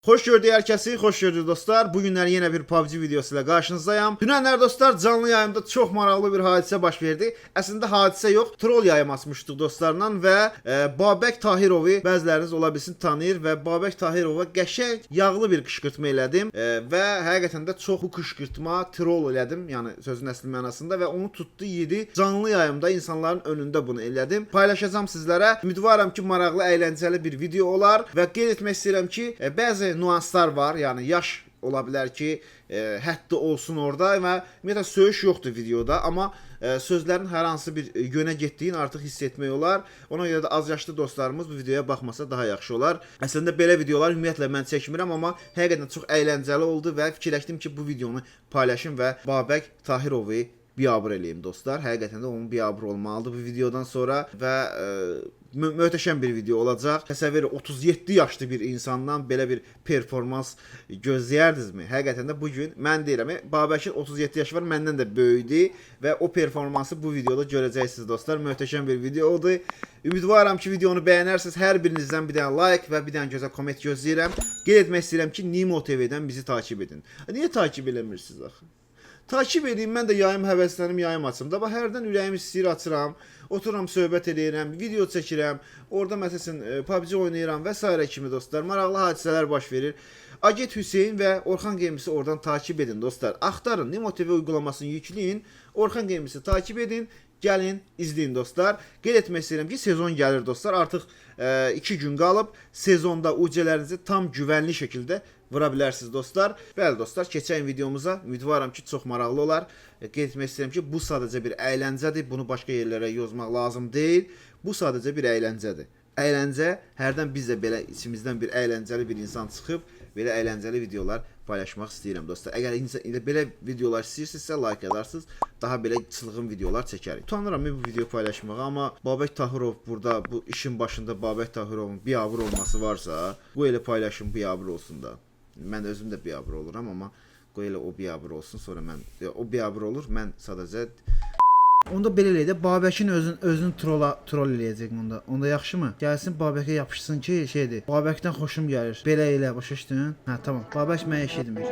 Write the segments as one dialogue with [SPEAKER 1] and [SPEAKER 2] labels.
[SPEAKER 1] Xoş gördük hər kəsi, xoş gördük dostlar. Bu günlər yenə bir PUBG videosu ilə qarşınızdayım. Dünənlər dostlar canlı yayımda çox maraqlı bir hadisə baş verdi. Əslində hadisə yox, troll yayım açmışdıq dostlarla və Babək Tahirovu bəziləriniz ola bilsin tanıyır və Babək Tahirova qəşəng yağlı bir qışqırtma elədim və həqiqətən də çox bu qışqırtma troll elədim. Yəni sözün əsl mənasında və onu tutdu yedi. Canlı yayımda insanların önündə bunu elədim. Paylaşacağam sizlərə. Ümidvaram ki, maraqlı, əyləncəli bir video olar və qeyd etmək istəyirəm ki, bəzi nüanslar var. Yəni yaş ola bilər ki, həddi olsun orada və ümumiyyətlə söyüş yoxdur videoda, amma sözlərin hər hansı bir yönə getdiyini artıq hiss etmək olar. Ona görə də az yaşlı dostlarımız bu videoya baxmasa daha yaxşı olar. Əslində belə videolar ümumiyyətlə mən çəkmirəm, amma həqiqətən çox əyləncəli oldu və fikirləşdim ki, bu videonu paylaşım və Babək Tahirovu biabır eləyim dostlar. Həqiqətən də onun biabır olmalıdır bu videodan sonra və möhtəşəm bir video olacaq. Təsəvvür 37 yaşlı bir insandan belə bir performans gözləyərdinizmi? Həqiqətən də bu gün mən deyirəm, Babəkin 37 yaşı var, məndən də böyükdür və o performansı bu videoda görəcəksiniz dostlar. Möhtəşəm bir video oldu. Ümidvaram ki, videonu bəyənərsiniz. Hər birinizdən bir dənə like və bir dənə gözəl komment gözləyirəm. Qeyd etmək istəyirəm ki, Nimo TV-dən bizi takip edin. Niyə takip eləmirsiniz axı? Takip edeyim, mən də yayım həvəsləndim, yayım açım. Da bax, hərdən ürəyim istəyir açıram, otururam, söhbət edirəm, video çəkirəm, orada məsələn PUBG oynayıram və s. kimi dostlar. Maraqlı hadisələr baş verir. Agent Hüseyn və Orxan Games'i oradan takip edin dostlar. Axtarın, Nimo TV uygulamasını yükləyin, Orxan Games'i takip edin. Gəlin, izləyin dostlar. Qeyd etmək istəyirəm ki, sezon gəlir dostlar. Artıq 2 gün qalıb sezonda UC-lərinizi tam güvənli şəkildə vura bilərsiniz dostlar. Bəli dostlar, keçən videomuza ümidvaram ki, çox maraqlı olar. Qeyd etmək istəyirəm ki, bu sadəcə bir əyləncədir. Bunu başqa yerlərə yozmaq lazım deyil. Bu sadəcə bir əyləncədir. Əyləncə, hərdən biz də belə içimizdən bir əyləncəli bir insan çıxıb belə əyləncəli videolar paylaşmaq istəyirəm dostlar. Əgər belə videolar istəyirsinizsə like edersiniz. Daha belə çılğın videolar çəkərik. Utanıram bu video paylaşmağa, amma Babək Tahirov burada bu işin başında Babək Tahirovun biabır olması varsa, bu elə paylaşım biabır olsun da. Mən özüm də biabır oluram, amma qoy elə o biabır olsun, sonra mən o biabır olur, mən sadəcə onda belə eləyək də Babəkin özünü troll eləyəcək onda. Onda yaxşımı? Gəlsin Babəkə yapışsın ki, şeydir. Babəkdən xoşum gəlir. Belə elə başa düşdün? Hə, tamam. Babək mənə eş etmir.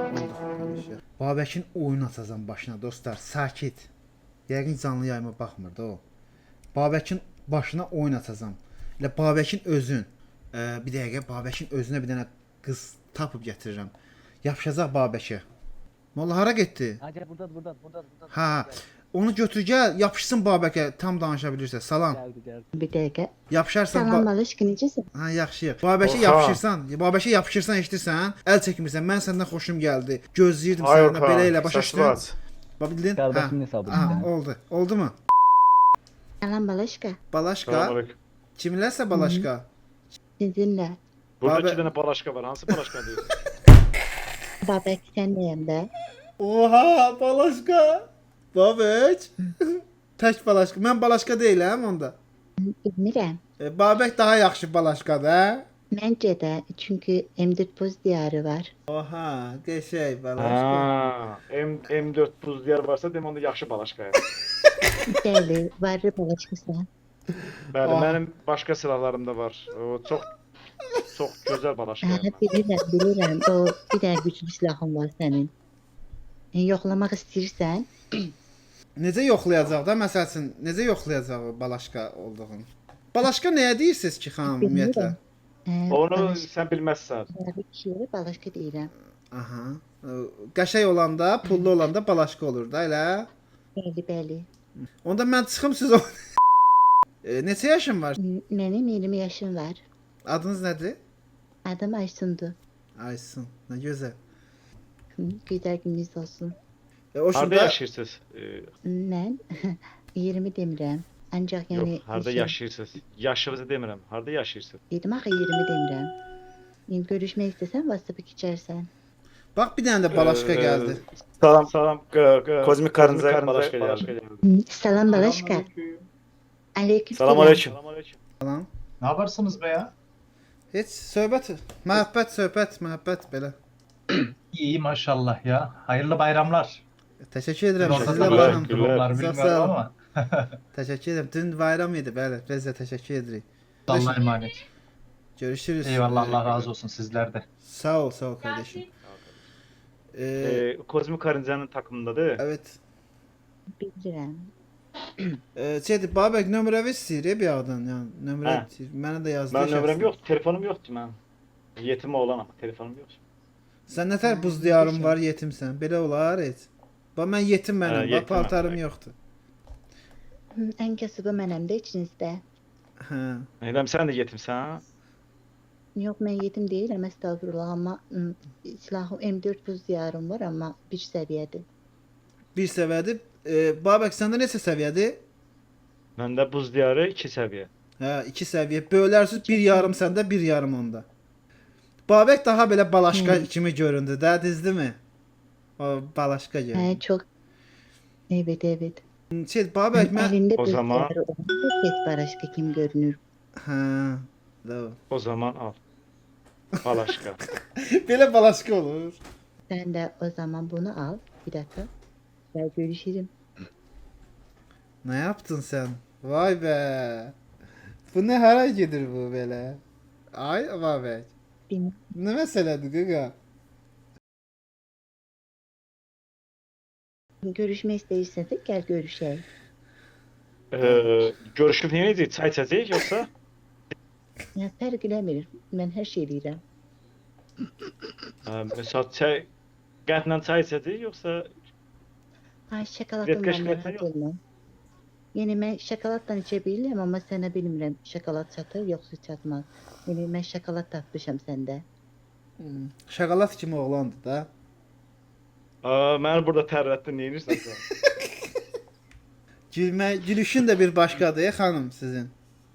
[SPEAKER 1] Oldu. Babəkin oyun açacağam başına dostlar. Sakit. Yəqin canlı yayıma baxmır da o. Babəkin başına oyun açacağam. Elə Babəkin özün. Bir dəqiqə Babəkin özünə bir dənə qız tapıb gətirirəm. Yapışacaq Babəkə. Molla hara getdi?
[SPEAKER 2] Hacı burada.
[SPEAKER 1] Ha. Onu götür gəl, yapışsın Babəkə, tam danışa bilirsə. Salam.
[SPEAKER 2] Geldi.
[SPEAKER 3] Bir dəqiqə.
[SPEAKER 1] Yapışarsan.
[SPEAKER 3] Salam Balışqı, necəsən?
[SPEAKER 1] Ha, yaxşı. Babəkə yapışırsan, Babəkə yapışırsan, eşidirsən? Əl çəkmirsən. Mən səndən xoşum gəldi. Gözləyirdim səndən belə elə başa düşdün? Bax bildin?
[SPEAKER 2] Qardaşımın hesabı.
[SPEAKER 1] Ha, oldu. Oldu mu?
[SPEAKER 3] Salam Balışqı.
[SPEAKER 1] Balaşqa.
[SPEAKER 4] Selamünaleyküm.
[SPEAKER 1] Kiminləsə Balaşqa?
[SPEAKER 3] Sizinlə.
[SPEAKER 4] Burada
[SPEAKER 1] Babə-
[SPEAKER 4] 2 tane Balaşka var. Hansı Balaşka diyor?
[SPEAKER 3] Babək səndəyəm də.
[SPEAKER 1] Oha, Balaşqa. Babək. Tək Balaşqa. Mən Balaşqa deyiləm onda.
[SPEAKER 3] Bilmirəm.
[SPEAKER 1] Babək daha yaxşı Balaşqadır, hə?
[SPEAKER 3] Məncə də, çünki M4 buz diyarı var.
[SPEAKER 1] Oha, qəşəng Balaşqa.
[SPEAKER 4] Ha, M4 buz diyar varsa dem onda yaxşı Balaşka.
[SPEAKER 3] Bəli, varı Balışqısan.
[SPEAKER 4] Bəli,
[SPEAKER 1] Ah.
[SPEAKER 4] mənim başqa silahlarım da var. O çox gözəl Balaşka.
[SPEAKER 3] Hə, bilirəm. O bir dənə güclü silahın var sənin. Yoxlamaq istəyirsən?
[SPEAKER 1] Necə yoxlayacaq da məsəl üçün, necə yoxlayacaq o Balaşqa olduğunu? Balaşqa nəyə deyirsiniz ki, xanım ümumiyyətlə?
[SPEAKER 4] Onu sən bilməzsən.
[SPEAKER 3] Kişiyə Balışqı deyirəm.
[SPEAKER 1] Aha. Qəşəng olanda, pullu olanda Balaşqa olur da elə.
[SPEAKER 3] Bəli.
[SPEAKER 1] Onda mən çıxım siz o. Neçə yaşın var?
[SPEAKER 3] Mənim 20 yaşım var.
[SPEAKER 1] Adınız nədir?
[SPEAKER 3] Adım Aysundur.
[SPEAKER 1] Aysun. Nə gözəl.
[SPEAKER 3] Gözəl gününüz olsun.
[SPEAKER 1] O
[SPEAKER 4] Harda
[SPEAKER 1] şurada
[SPEAKER 4] yaşayırsınız?
[SPEAKER 3] Mən 20 demirəm. Ancaq yəni
[SPEAKER 4] Yox, harda yaşayırsınız? Yaşınızı demirəm. Harda yaşayırsınız?
[SPEAKER 3] Dedim axı 20 demirəm. İndi görüşmək istəsən WhatsApp-a keçərsən.
[SPEAKER 1] bax bir dənə də Balaşqa gəldi.
[SPEAKER 4] Salam.
[SPEAKER 5] Kozmik Karınca
[SPEAKER 4] Balaşka
[SPEAKER 5] Balaşka
[SPEAKER 4] geldi.
[SPEAKER 3] Salam Balaşqa. Aleyküm.
[SPEAKER 5] Selamünaleyküm.
[SPEAKER 1] Salam.
[SPEAKER 5] Ne yaparsınız be ya?
[SPEAKER 1] Heç söhbət, məhəbbət belə.
[SPEAKER 5] İyi maşallah ya. Hayırlı bayramlar.
[SPEAKER 1] Təşəkkür edirəm.
[SPEAKER 5] Orada
[SPEAKER 1] Sizlə
[SPEAKER 5] da
[SPEAKER 1] bayram.
[SPEAKER 4] Teşekkürler.
[SPEAKER 5] durumlar
[SPEAKER 1] Sağ
[SPEAKER 5] bilmiyorum
[SPEAKER 1] olun.
[SPEAKER 5] ama.
[SPEAKER 1] Təşəkkür edirəm. Dün bayram idi, bəli. Biz də təşəkkür edirik.
[SPEAKER 5] Allah'a emanet.
[SPEAKER 1] Görüşürüz.
[SPEAKER 5] Eyvallah, Allah razı olsun sizlerde.
[SPEAKER 1] Sağ ol kardeşim.
[SPEAKER 4] Kozmik Karınca'nın takımındadır.
[SPEAKER 1] Evet.
[SPEAKER 3] Bilirəm.
[SPEAKER 1] Şeydi, Babək nömrəvi istəyir bir ağdan, yəni nömrə
[SPEAKER 4] Hə.
[SPEAKER 1] istəyir. Mənə də yazdı.
[SPEAKER 4] Mən nömrəm
[SPEAKER 1] şəxsən.
[SPEAKER 4] yoxdur, telefonum yoxdur mən. Yetim oğlan ama telefonum yoxdur.
[SPEAKER 1] Sən nətər buz diyarın var, yetimsən. Belə olar heç. Bax mən yetim
[SPEAKER 4] Hə,
[SPEAKER 1] mənəm, bax
[SPEAKER 4] yetiməm.
[SPEAKER 1] paltarım yoxdur.
[SPEAKER 3] Ən kasıbı mənəm də içinizdə.
[SPEAKER 1] Hə.
[SPEAKER 4] Eləm sən də yetimsən?
[SPEAKER 3] Yox, mən yetim deyiləm, əstəğfurullah, amma silahım M4 buz diyarım var, amma bir səviyyədir.
[SPEAKER 1] Bir səviyyədir. Babək səndə neçə səviyyədir?
[SPEAKER 4] Məndə buz diyarı 2 səviyyə.
[SPEAKER 1] Hə, 2 səviyyə. Bölərsiz 1,5 səndə, 1,5 onda. Babək daha belə balaşqa kimi göründü də, düzdürmü? O balaşqa göründü.
[SPEAKER 3] Hə, çox. Evet, evet.
[SPEAKER 1] Şey, Babək mən
[SPEAKER 3] Əlində
[SPEAKER 4] O
[SPEAKER 3] buz
[SPEAKER 4] zaman-
[SPEAKER 3] diyarı olanda pek baraşka kim görünür.
[SPEAKER 1] hə. Doğru.
[SPEAKER 4] O zaman al. Balaşqa.
[SPEAKER 1] Belə balaşqa olur.
[SPEAKER 3] Sən də o zaman bunu al. Bir dakika. Gel görüşelim.
[SPEAKER 1] Nə yaptın sən? Vay be. Bu nə hara gedir bu belə? Ay Babək.
[SPEAKER 3] Bilmem.
[SPEAKER 1] Nə məsələdir qaqa?
[SPEAKER 3] Görüşmək istəyirsən də gəl görüşək.
[SPEAKER 4] Görüşüb nə edəcəyik? Çay içəcəyik yoxsa?
[SPEAKER 3] Ya fərq eləmir. Mən hər şey eləyirəm.
[SPEAKER 4] Məsəl çay qətlə çay içəcəyik yoxsa
[SPEAKER 3] Ay şokoladım var,
[SPEAKER 4] Qeşqətlə
[SPEAKER 3] narahat
[SPEAKER 4] yox.
[SPEAKER 3] olma. Yəni mən şokoladla içə bilirəm, amma sənə bilmirəm şokolad çatır yoxsa çatmaz. Yəni mən şokolad tapmışam səndə.
[SPEAKER 1] Şokolad kimi oğlandı da.
[SPEAKER 4] Məni burada tərrətdin, nə edirsən sən?
[SPEAKER 1] Gülüşün də bir başqadır, xanım sizin.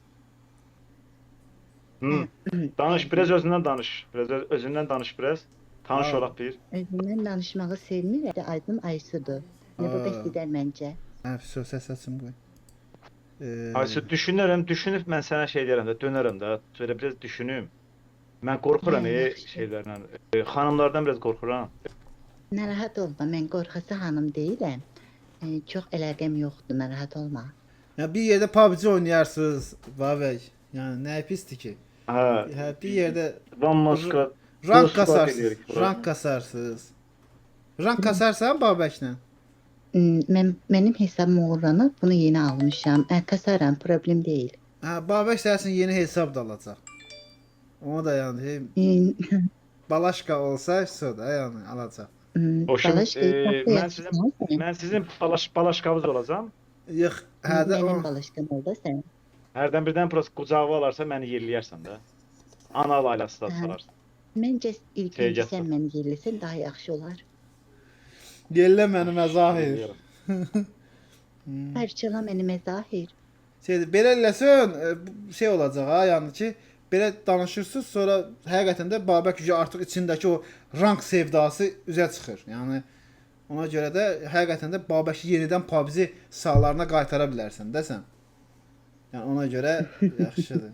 [SPEAKER 4] Danış, biraz özündən danış. Biraz özündən danış biraz. Tanış
[SPEAKER 1] Ha.
[SPEAKER 4] olaq bir.
[SPEAKER 3] Özümdən danışmağı sevmirəm. Adım Aysudur. Yəni bu
[SPEAKER 1] Aa.
[SPEAKER 3] bəs gedər məncə.
[SPEAKER 1] Hə, söz açım qoy.
[SPEAKER 4] Aysu düşünüb mən sənə şey deyərəm də, dönərəm də. Şöyle biraz düşünüm. Mən qorxuram
[SPEAKER 3] Yaxşı.
[SPEAKER 4] şeylərdən. Xanımlardan biraz qorxuram.
[SPEAKER 3] Narahat olma, mən qorxası xanım deyiləm. Çox əlaqəm yoxdur, narahat olma.
[SPEAKER 1] Ya bir yerdə PUBG oynayarsınız, Babək. Yəni nə pisdir ki?
[SPEAKER 4] Hə,
[SPEAKER 1] Hə, bir yerdə
[SPEAKER 4] Van Moskva
[SPEAKER 1] rank
[SPEAKER 4] Squad
[SPEAKER 1] kasarsınız.
[SPEAKER 4] eləyirik bura.
[SPEAKER 1] Rank kasarsınız. Rank kasarsan Babəklə.
[SPEAKER 3] Mənim hesabım uğurlanıb, bunu yeni almışam. Kasaram, problem deyil.
[SPEAKER 1] Hə, Babək səsin yeni hesab da alacaq. Onu da yəni balaşqa olsa, so da yəni alacaq.
[SPEAKER 4] Hoşum,
[SPEAKER 3] Balaş
[SPEAKER 4] mən sizin balaşqavız olacam.
[SPEAKER 1] Yox, hə də o.
[SPEAKER 3] Mənim balaşqam oldu sən.
[SPEAKER 4] Hərdən birdən prosta qucağıma alarsa məni yerləyərsən də. Ana ailəsi də salarsan.
[SPEAKER 3] Məncə ilk
[SPEAKER 4] Şey
[SPEAKER 3] öncə
[SPEAKER 4] gətir.
[SPEAKER 3] sən məni yerləsən daha yaxşı olar.
[SPEAKER 1] Gəllə məni məzahir.
[SPEAKER 3] Parçala məni məzahir.
[SPEAKER 1] Şeydir, belə eləsən şey olacaq ha, yəni ki, belə danışırsınız, sonra həqiqətən də Babək gücü artıq içindəki o rank sevdası üzə çıxır. Yəni ona görə də həqiqətən də Babəki yenidən PUBG sahalarına qaytara bilərsən də sən. Yəni ona görə yaxşıdır.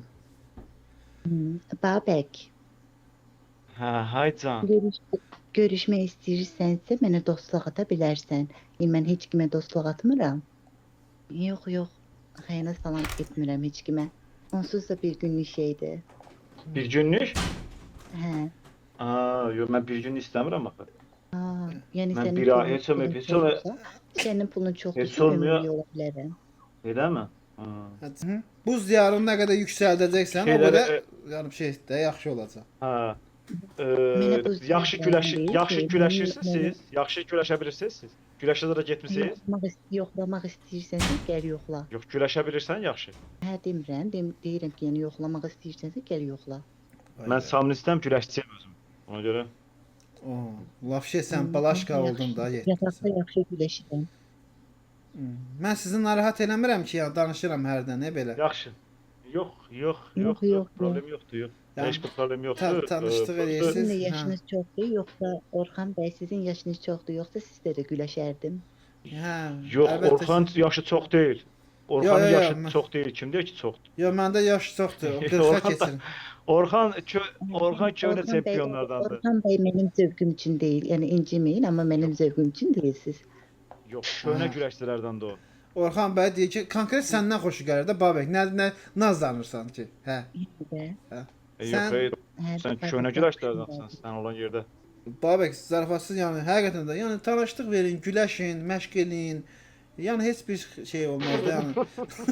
[SPEAKER 3] Babək,
[SPEAKER 4] Hə, hay can.
[SPEAKER 3] görüşmək istəyirsənsə mənə dostluq ata bilərsən. Mən heç kimə dostluq atmıram. Yox, yox. Xəyanət falan etmirəm heç kimə. Onsuz da bir günlük şeydir.
[SPEAKER 4] Bir günlük?
[SPEAKER 3] Hə.
[SPEAKER 4] Yox, mən bir gün istəmirəm axı.
[SPEAKER 3] Yəni
[SPEAKER 4] Mən
[SPEAKER 3] sənin
[SPEAKER 4] bir ay-
[SPEAKER 3] pulun
[SPEAKER 4] heç olmaya-
[SPEAKER 3] çoxsa-
[SPEAKER 4] heç olmaya-
[SPEAKER 3] Sənin pulun çoxdur,
[SPEAKER 4] Heç olmuyor.
[SPEAKER 3] ola bilərəm.
[SPEAKER 4] Eləmi?
[SPEAKER 1] Hı. Buz diyarını nə qədər yüksəldəcəksən, o
[SPEAKER 4] Şeyləri,
[SPEAKER 1] qədər yəni şey də yaxşı olacaq.
[SPEAKER 4] Hə.
[SPEAKER 3] Mənə buz
[SPEAKER 4] Yaxşı
[SPEAKER 3] diyarlarından deyil
[SPEAKER 4] yaxşı
[SPEAKER 3] ki,
[SPEAKER 4] güləşirsiniz
[SPEAKER 3] mənə-
[SPEAKER 4] siz. Yaxşı güləşə bilirsiniz siz. Güləşə də getmisiniz?
[SPEAKER 3] Yoxlamaq istəyirsənsə gəl yoxla.
[SPEAKER 4] Yox, güləşə bilirsən yaxşı.
[SPEAKER 3] Hə demirəm, deyirəm ki, yəni yoxlamaq istəyirsənsə gəl yoxla.
[SPEAKER 4] Mən samnistəm, güləşçiyəm özüm. Ona görə.
[SPEAKER 1] O, lafşe sən balaşqa oldun da
[SPEAKER 3] Yataqda
[SPEAKER 1] yetdin.
[SPEAKER 3] yaxşı güləşirəm.
[SPEAKER 1] Mən sizi narahat eləmirəm ki, yəni danışıram hərdən, nə belə.
[SPEAKER 4] Yaxşı. Yox,
[SPEAKER 3] Yox, yox,
[SPEAKER 4] problem yoxdur, yox.
[SPEAKER 1] Yəni,
[SPEAKER 4] Heç bir problem yoxdur.
[SPEAKER 1] tanışdıq
[SPEAKER 4] Prosta-
[SPEAKER 1] eləyirsiniz.
[SPEAKER 3] Sizin də
[SPEAKER 1] Hə.
[SPEAKER 3] yaşınız çoxdur, yoxsa Orxan bəy sizin yaşınız çoxdur, yoxsa sizdə də güləşərdim.
[SPEAKER 1] Hə.
[SPEAKER 4] Yox,
[SPEAKER 1] əlbəttə
[SPEAKER 4] Orxan yaşı çox deyil. Orxanın
[SPEAKER 1] Yo, yo,
[SPEAKER 4] yaşı
[SPEAKER 1] mən-
[SPEAKER 4] çox deyil. Kim deyir ki, çoxdur?
[SPEAKER 1] Yo, məndə yaş çoxdur. O 40-a
[SPEAKER 4] Orxan da-
[SPEAKER 1] keçirim.
[SPEAKER 4] Orxan köhnə
[SPEAKER 3] Orxan bəy-
[SPEAKER 4] çempionlardandır.
[SPEAKER 3] Orxan bəy mənim zövqüm üçün deyil, yəni inciməyin, amma mənim zövqüm üçün deyilsiz.
[SPEAKER 4] Yox, köhnə
[SPEAKER 1] Ha.
[SPEAKER 4] güləşçilərdəndir o.
[SPEAKER 1] Orxan bəy deyir ki, konkret səndən xoşu gəlir də Babək. Nə nazlanırsan ki? Hə.
[SPEAKER 3] Və
[SPEAKER 4] Yox, ey,
[SPEAKER 3] Hər
[SPEAKER 4] sən
[SPEAKER 3] dəfə
[SPEAKER 4] köhnə
[SPEAKER 3] bu
[SPEAKER 4] güləşlərdansan, sən olan yerdə.
[SPEAKER 1] Babək zarafatsız, yəni həqiqətən də, yəni tanışlıq verin, güləşin, məşq eləyin. Yəni heç bir şey olmaz da, yəni.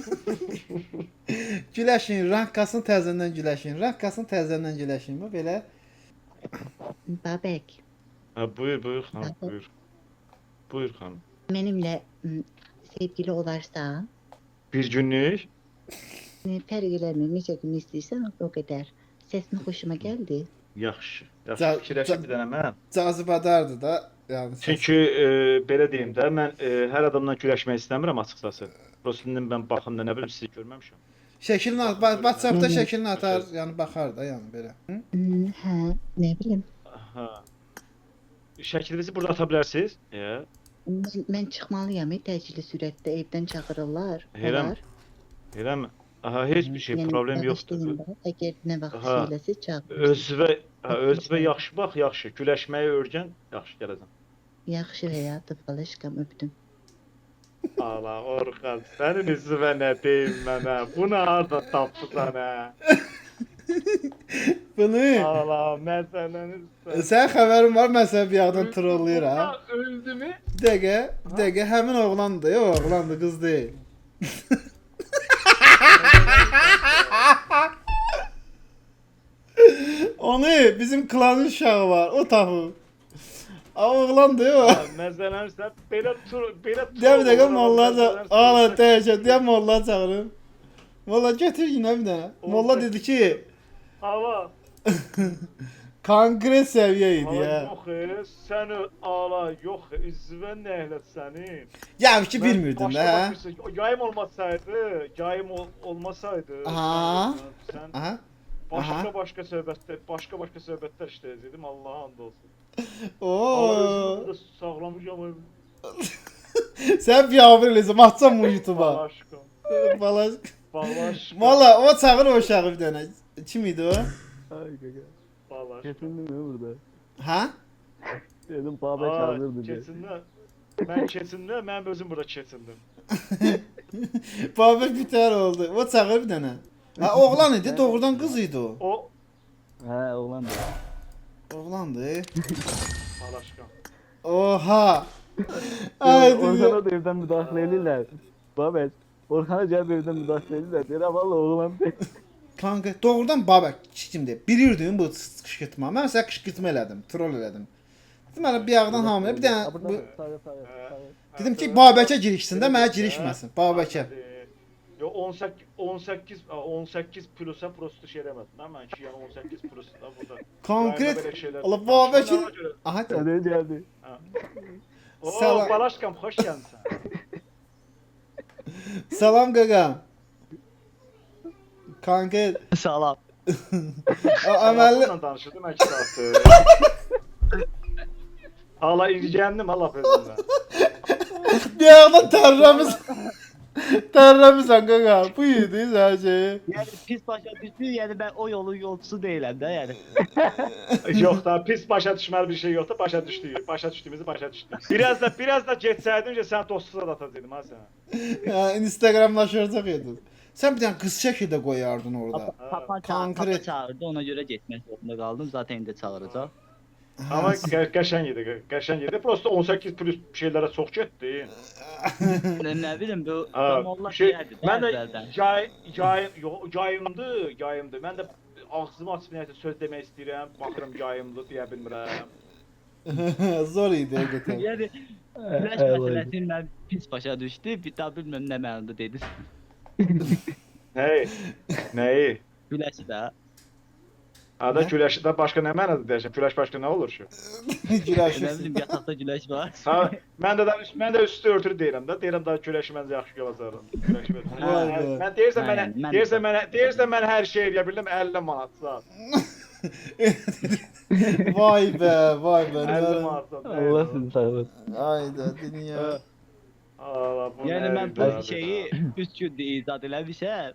[SPEAKER 1] Güləşin, rankasını təzədən güləşin, rankasını təzədən güləşin. Bu belə.
[SPEAKER 3] Babək,
[SPEAKER 4] Buyur, buyur xanım, buyur. Buyur xanım.
[SPEAKER 3] mənimlə sevgili olarsan,
[SPEAKER 4] Bir günlük?
[SPEAKER 3] fərq eləmir, necə gün istəyirsən o qədər. Səsin xoşuma gəldi.
[SPEAKER 4] Yaxşı.
[SPEAKER 1] Ca-
[SPEAKER 4] Yaxşı, fikirləşib bir dənə mən.
[SPEAKER 1] Cazibədardır da. Yəni
[SPEAKER 4] Çünki belə deyim də, mən hər adamla güləşmək istəmirəm açıqcası. Prosta mən baxımda nə bilim sizi görməmişəm.
[SPEAKER 1] şəklini WhatsApp-da şəklini atar, yəni baxar da, yəni belə. Hı?
[SPEAKER 3] Hə, nə bilim.
[SPEAKER 4] Hə. Şəklinizi burada ata bilərsiniz?
[SPEAKER 3] Mən çıxmalıyam, təcili sürətdə evdən çağırırlar.
[SPEAKER 4] Eləmi? Eləmi? Aha, heç bir şey, problem yoxdur.
[SPEAKER 3] Əgər nə vaxt
[SPEAKER 4] Aha.
[SPEAKER 3] söyləsə çağırırsın.
[SPEAKER 4] Özünə yaxşı bax, yaxşı. Güləşməyi öyrən, yaxşı gələcəm.
[SPEAKER 3] Yaxşı həyatım, balaşqam öpdüm.
[SPEAKER 4] Allah, Orxan, sənin üzvə nə deyim mənə? Bunu harda tapdısan hə?
[SPEAKER 1] Bunu
[SPEAKER 4] Allah, məsələniz.
[SPEAKER 1] sən xəbərin var, mən səni bir yandan trollayıram.
[SPEAKER 4] Öldü mü?
[SPEAKER 1] Bir dəqiqə, həmin oğlandır, yox, oğlandır, qız deyil. Onu bizim klanın uşağı var, o tapıb. Oğlandır, yox.
[SPEAKER 4] Məsələn, sən belə
[SPEAKER 1] Deyəm bir dəqiqə molla ala dəyəcək, deyəm molla çağırın. Molla götür yine bir dənə. Molla dedi ki,
[SPEAKER 4] Hava.
[SPEAKER 1] konkret səviyyə idi ya.
[SPEAKER 4] Yox, sən ala, yox, üzvə nə elə sənin?
[SPEAKER 1] Yəni ki bilmirdin də, hə?
[SPEAKER 4] Yayım olmasaydı,
[SPEAKER 1] Aha.
[SPEAKER 4] sən
[SPEAKER 1] Aha.
[SPEAKER 4] başqa söhbətlər işləyəcəkdim, Allah'a and olsun.
[SPEAKER 1] Oo.
[SPEAKER 4] Özümü də sağlamışam.
[SPEAKER 1] Sən biabır eləsəm, atacam bu YouTube'a.
[SPEAKER 4] Balaşqam.
[SPEAKER 1] Balaşqam. Valla o çağır o uşağı bir dənə. Kim idi o?
[SPEAKER 2] Ay gaga.
[SPEAKER 4] Balaşqam.
[SPEAKER 2] Kesindin mi burada?
[SPEAKER 1] Ha?
[SPEAKER 2] Dedim Babək çağırırdı diye.
[SPEAKER 4] Keçində, mən özüm burada keçindim.
[SPEAKER 1] Babək bitər oldu. O çağır bir dənə. Ha oğlan idi, doğrudan qız idi o.
[SPEAKER 4] O
[SPEAKER 2] He oğlan da.
[SPEAKER 1] Oğlandı.
[SPEAKER 4] Balaşqam.
[SPEAKER 1] Oha. Ay dünya.
[SPEAKER 2] Orhan'a da evden müdahale edirlər. Babək. Orhan'a gəlib evdən müdahale edirlər. Deyirəm valla oğlan deyil.
[SPEAKER 1] Kanka doğrudan Babək kimdir? Bilirdin bu qışqırtma. Mən sənə qışqırtma elədim, troll elədim. Deməli bir yağdan hamilə bir dənə bu, dedim ki Babəkə girişsin də mənə girişməsin. Babəkə.
[SPEAKER 4] Yo 18 plusa prosto şey eləmədim. Mən ki yəni 18 plus da burada.
[SPEAKER 1] Konkret.
[SPEAKER 4] Böyle şeyler-
[SPEAKER 1] Allah Babəkin.
[SPEAKER 4] Ona göre-
[SPEAKER 1] Aha.
[SPEAKER 2] Sənə gəldi.
[SPEAKER 4] Oo,
[SPEAKER 1] Salam.
[SPEAKER 4] Balaşqam, xoş gəlmisən.
[SPEAKER 1] Salam qaqam. Kanka
[SPEAKER 6] Salam.
[SPEAKER 1] əməlli
[SPEAKER 4] Onunla danışırdım mən 2 saatdır. Allah incəndim Allah özündən.
[SPEAKER 1] bir yağdan tərləmisən qaqa. Bu idi hər şey.
[SPEAKER 6] Yəni pis başa düşdü, yəni mən o yolun yolcusu deyiləm də, yəni.
[SPEAKER 4] Yox da pis başa düşməli bir şey yoxdur. Başa düşdük. Başa düşdüyümüzü başa düşdük. Biraz da getsəydim ki sən dostsuza da atacaqdım ha sənə.
[SPEAKER 1] Ya Instagramlaşacaq idin. Sən bir dənə qız şəkli də qoyardın orada.
[SPEAKER 6] Papa
[SPEAKER 1] Konkret.
[SPEAKER 6] çağırdı, ona görə getmək zorunda qaldım. Zaten indi çağıracaq.
[SPEAKER 4] Amma qəşəng idi, qəşəng idi. Prosta 18 plus şeylərə çox getdi.
[SPEAKER 6] Nə bilim bu
[SPEAKER 4] Ha,
[SPEAKER 6] Allah
[SPEAKER 4] şey,
[SPEAKER 6] deyərdi də
[SPEAKER 4] mən də
[SPEAKER 6] əvvəldən.
[SPEAKER 4] yayımdı. Mən də ağzımı açıb nəyəsə söz demək istəyirəm. Baxıram yayımdı deyə bilmirəm.
[SPEAKER 1] Zor idi həqiqətən.
[SPEAKER 6] Yəni güləş məsələsini mən pis başa düşdü, bir daha bilmirəm nə mənada dedi.
[SPEAKER 4] Nəyi?
[SPEAKER 6] Güləş də.
[SPEAKER 4] Ada güləşdə başqa nə mənada deyəsən? Güləş başqa nə olur ki?
[SPEAKER 6] Nə
[SPEAKER 1] Güləşirsən.
[SPEAKER 6] bilim yataqda güləş var.
[SPEAKER 4] Ha, mən də üstü örtülü deyirəm də. Deyirəm daha güləşi məncə yaxşı gələcək. Güləşi ver.
[SPEAKER 1] Vay be.
[SPEAKER 4] Mən deyirsən
[SPEAKER 6] Aynen,
[SPEAKER 4] mən hər şey eləyə bildim 50 manat saat.
[SPEAKER 1] Vay be, vay be.
[SPEAKER 4] 50 manat saat.
[SPEAKER 2] Allah sizi sağlasın.
[SPEAKER 1] Ayda dünya.
[SPEAKER 4] Allah bu.
[SPEAKER 6] Yəni mən bu
[SPEAKER 4] nədir
[SPEAKER 6] şeyi 3 gündə icad eləmişəm.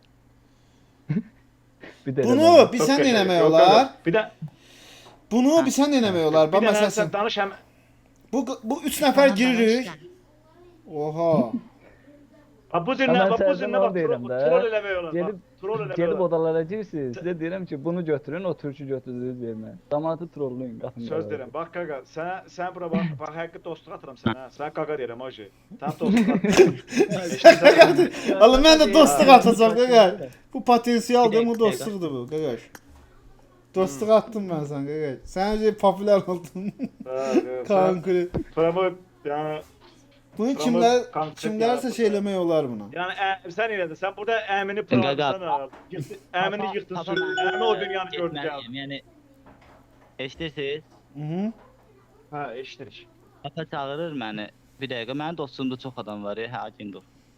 [SPEAKER 2] Bir də
[SPEAKER 1] Bunu bir
[SPEAKER 4] Çox
[SPEAKER 1] sən
[SPEAKER 4] qəşəng.
[SPEAKER 1] eləmək
[SPEAKER 4] Yox,
[SPEAKER 1] olar.
[SPEAKER 4] Bir də
[SPEAKER 1] Bunu bir sən eləmək olar.
[SPEAKER 4] bir
[SPEAKER 1] Bax
[SPEAKER 4] də sən
[SPEAKER 1] məsələn
[SPEAKER 4] danış həm
[SPEAKER 1] bu 3 nəfər giririk. Oha.
[SPEAKER 4] Ha bu dinle
[SPEAKER 2] Hemen
[SPEAKER 4] bak bu
[SPEAKER 2] senden
[SPEAKER 4] dinle
[SPEAKER 2] onu
[SPEAKER 4] bak
[SPEAKER 2] derim de.
[SPEAKER 4] troll eləmək olar.
[SPEAKER 2] Gelip,
[SPEAKER 4] Bak, troll eləmək
[SPEAKER 2] gelip
[SPEAKER 4] olar.
[SPEAKER 2] odalara girsiniz. Size diyelim ki bunu götürün, o türkü götürdünüz yerine. Damatı trolluyun. Qapını
[SPEAKER 4] Söz
[SPEAKER 2] qapalı.
[SPEAKER 4] deyirəm. Bax qaqa, sən bura bax həqiqi dostluq atıram sənə. Sən qaqa deyirəm oje. Sən dostluq atıram.
[SPEAKER 1] Allah mən də dostluq atacağam qaqaş. Bu potensialdır, bu dostluqdur bu qaqaş. Dostluq attım mən sən qaqaş. Sən populyar oldun. Konkret.
[SPEAKER 4] Promo yəni
[SPEAKER 1] Bunu
[SPEAKER 4] konkret
[SPEAKER 1] kimlərsə
[SPEAKER 4] yaratdı.
[SPEAKER 1] şey eləmək olar buna.
[SPEAKER 4] yəni sən elədin. Sən burada əmini
[SPEAKER 6] Qaqa.
[SPEAKER 4] promosan. Əmini yıxdın sürdün. Əmi o dünyanı gördü gəldi.
[SPEAKER 6] Yəni eşidirsiniz?
[SPEAKER 1] Mhm.
[SPEAKER 4] Ha, eşidirik.
[SPEAKER 6] Papa çağırır məni. Bir dəqiqə mənim dostumda çox adam var, hə Akindur.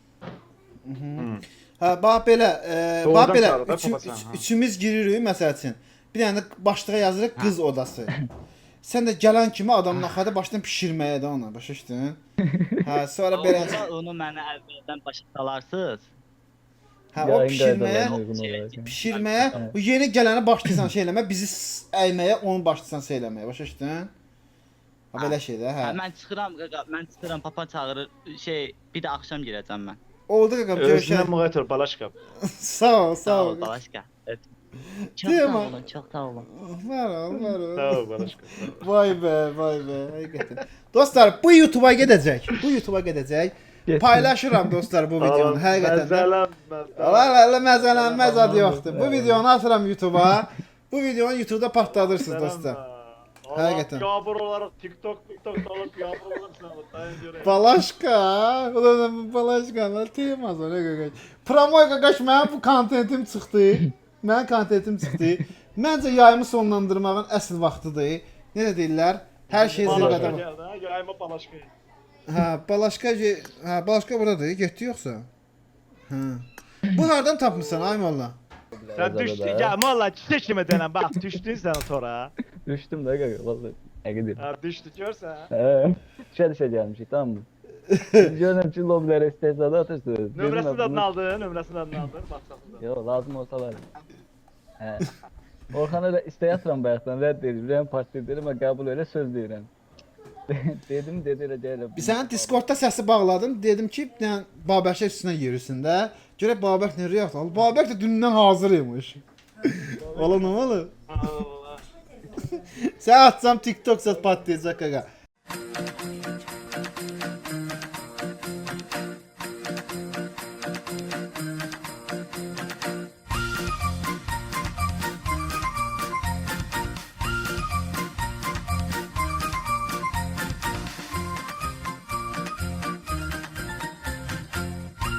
[SPEAKER 1] Hə, bax belə,
[SPEAKER 4] Doğrudan
[SPEAKER 1] bax belə
[SPEAKER 4] çağırır da papasan, ha.
[SPEAKER 1] üçümüz giririk məsəl üçün. Bir dənə başlığa yazırıq qız odası. Sən də gələn kimi adamın axada başdan bişirməyə də ona, başa düşdün? Hə, sonra belə
[SPEAKER 6] Onu mənə əvvəldən başa salarsınız.
[SPEAKER 1] hə o
[SPEAKER 2] Yayın
[SPEAKER 1] bişirməyə,
[SPEAKER 2] qaydalarına uyğun olaraq.
[SPEAKER 1] bişirməyə, bu yeni gələni başlayırsan şey eləməyə, bizi əyməyə, onu başlayırsan şey eləməyə, başa düşdün? Ha belə şey də, hə.
[SPEAKER 6] Hə, mən çıxıram qaqa, mən çıxıram, papa çağırır. Bir də axşam girəcəm mən.
[SPEAKER 1] Oldu qaqam,
[SPEAKER 4] Özünə
[SPEAKER 1] görüşək.
[SPEAKER 4] müğayət balaşqa.
[SPEAKER 1] Sağ ol,
[SPEAKER 6] Sağ ol,
[SPEAKER 1] ol.
[SPEAKER 6] Balaşqa. Çox
[SPEAKER 1] Deyəm
[SPEAKER 6] sağ
[SPEAKER 1] ha.
[SPEAKER 6] olun, çox sağ olun.
[SPEAKER 1] Var ol, var ol.
[SPEAKER 4] Sağ ol balaşqa.
[SPEAKER 1] Vay be, vay be, həqiqətən. Dostlar, bu YouTube-a gedəcək. Bu YouTube-a gedəcək.
[SPEAKER 2] Getsin.
[SPEAKER 1] Paylaşıram dostlar bu videonu, həqiqətən də.
[SPEAKER 4] Məzələn.
[SPEAKER 1] Allah məzələnməz adı yoxdur. Bu videonu atıram YouTube-a. Bu videonu YouTube-da partladırsınız dostlar. Həqiqətən.
[SPEAKER 4] Yağmur olaraq TikTok alıb yağmur olursan dayan görək.
[SPEAKER 1] Balaşka, o da balaşkalar temaz o ne qaqaş. Promoy qaqaş mənim bu kontentim çıxdı. Mənim kontentim çıxdı. Məncə yayımı sonlandırmağın əsl vaxtıdır. Necə deyirlər? Hər şey zirvədə var.
[SPEAKER 4] Yayma balaşqa.
[SPEAKER 1] Hə, balaşka buradadır. Getdi yoxsa? Hə. Bu hardan tapmısan ay molla?
[SPEAKER 4] Sən düşdün. Ya valla çiçək kimi denən bax düşdün sən tora.
[SPEAKER 2] Düştüm de gaga vallahi. Egedir.
[SPEAKER 4] Ha düşdü görsən.
[SPEAKER 2] Düşe gelmişik tamam mı? Görürüm ki lobilere istehzada atırsınız.
[SPEAKER 4] Nömrəsinin adını aldın, nömrəsinin adını aldın. Bax
[SPEAKER 2] Yo lazım olsalar. He. Orhan'a da istey atıram bayaqdan rədd edir. Rəm partiya dedim ama kabul öyle söz deyirəm. Dedim dedi elə deyirəm.
[SPEAKER 1] Bir sənin Discordda səsi bağladım. Dedim ki, yəni Babəkə üstünə yürüsün də. Görək Babək nə reaksiya alır. Babək də dündən hazır imiş. Ola nə ola?
[SPEAKER 4] Allah.
[SPEAKER 1] Sən atsam TikTok zət patlayacaq qaqa.